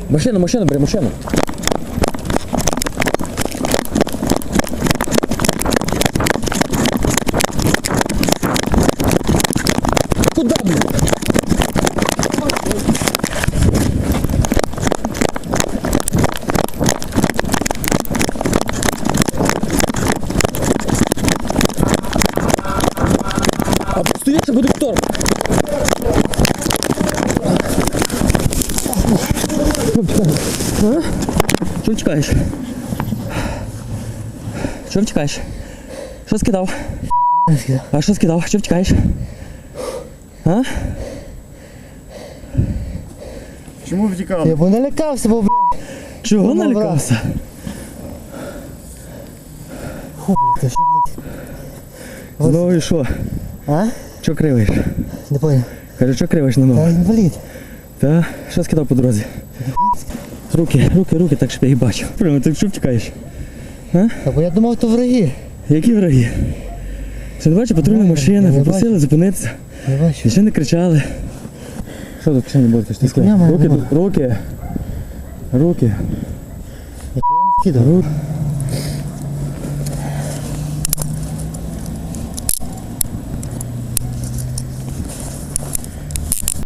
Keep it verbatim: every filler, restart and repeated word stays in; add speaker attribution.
Speaker 1: Машину, машину, бери, машину. Куда, блін? А постоїш, буде шторм. А? Чого втікаєш? Чого втікаєш? Що скидав? А що скидав? Чого втікаєш? А?
Speaker 2: Чому втікав?
Speaker 3: Я бо налякався, бо, блядь.
Speaker 1: Чого
Speaker 3: Ну,
Speaker 1: налякався?
Speaker 3: Фу, блядь, ти що, блядь?
Speaker 1: Знову і що?
Speaker 3: А?
Speaker 1: Чого кривиш?
Speaker 3: Не понял.
Speaker 1: Кажу, чого кривиш на ногу?
Speaker 3: Та інвалід.
Speaker 1: Та? Що скидав по дорозі? Руки, руки, руки, так щоб я їх бачив. Прямо, ти чого втікаєш? А?
Speaker 3: Та бо я думав, то враги.
Speaker 1: Які враги? Що, не бачиш, патрульна машина,
Speaker 3: я не
Speaker 1: попросили зупинитися.
Speaker 3: Не бачу.
Speaker 1: І ще не кричали. Що тут кишені буде? Ти
Speaker 3: коня в мене
Speaker 1: руки,
Speaker 3: нема.
Speaker 1: руки, руки,
Speaker 3: Я не скидав.
Speaker 1: руки.